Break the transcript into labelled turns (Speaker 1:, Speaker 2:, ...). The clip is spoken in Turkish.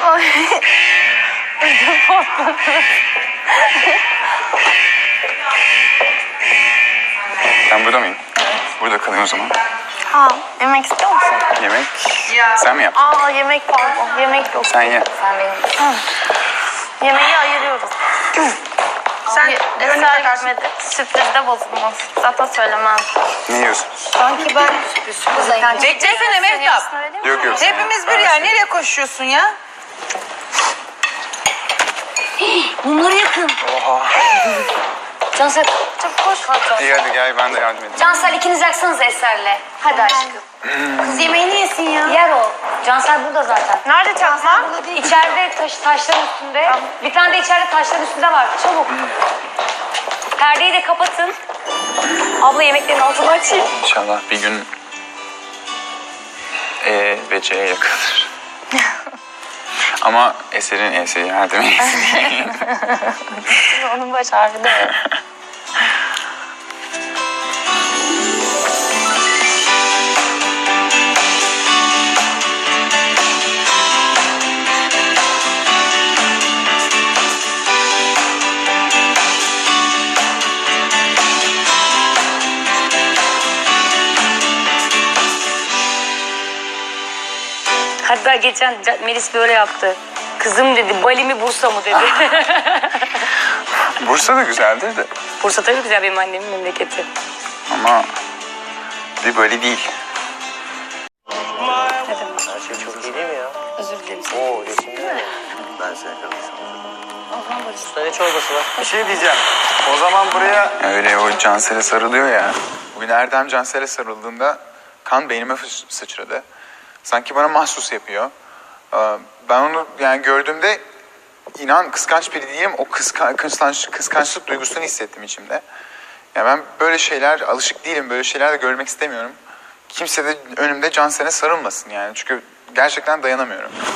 Speaker 1: Ben burada mıyım? Burada kalayım o zaman.
Speaker 2: Ha, yemek istiyor musun?
Speaker 1: Yemek sen mi yaptın?
Speaker 2: Aa, yemek pardon. Yemek yok.
Speaker 1: Sen ye.
Speaker 3: Sen benim.
Speaker 2: Yemeği ayırıyoruz.
Speaker 3: Sen
Speaker 2: Eser gitmedi. Sürprizde bozulmaz. Zaten söylemem.
Speaker 1: Ne yiyorsun?
Speaker 3: sanki ben sürpriz
Speaker 4: Beklesene Mehtap.
Speaker 1: Yok yok.
Speaker 4: Hepimiz bir yer. Nereye koşuyorsun ya?
Speaker 3: Bunları yakın.
Speaker 1: Oha.
Speaker 3: Cansel,
Speaker 2: Çok koş.
Speaker 1: İyi hadi gel ben de yardım edeyim.
Speaker 3: Cansel ikiniz yaksanız Eser'le. Hadi aşkım.
Speaker 2: Kız yemeğini yesin ya.
Speaker 3: Yer o. Cansel burada zaten.
Speaker 2: Nerede çakma?
Speaker 3: İçeride taşların üstünde. Bir tane de içeride taşların üstünde var. Çabuk. Perdeyi de kapatın. Abla yemeklerin altını açayım.
Speaker 1: İnşallah bir gün E ve C'ye yakınır. Ama Eser'in E'si yardım etsin.
Speaker 2: Onun baş harfi de.
Speaker 3: Hatta geçen Melis böyle yaptı. Kızım dedi, Bali mi Bursa mı dedi.
Speaker 1: Bursa da güzeldir de.
Speaker 3: Bursa tabii güzel, benim annemin memleketi.
Speaker 1: Ama bir böyle değil.
Speaker 3: Ne demek?
Speaker 5: Her şey çok iyi değil mi ya?
Speaker 3: Özür dilerim.
Speaker 5: Oo resimde mi? Ben seni yakalamışım. Usta ne çorbası var? Bir şey diyeceğim. O zaman buraya...
Speaker 1: Öyle o Cansel'e sarılıyor ya. Bugün Erdem Cansel'e sarıldığında kan beynime sıçradı. Sanki bana mahsus yapıyor. Ben onu yani gördüğümde inan kıskanç biri değilim. O kıskançlık duygusunu hissettim içimde. Yani ben böyle şeyler alışık değilim. Böyle şeyler de görmek istemiyorum. Kimse de önümde Cansel'e sarılmasın yani. Çünkü gerçekten dayanamıyorum.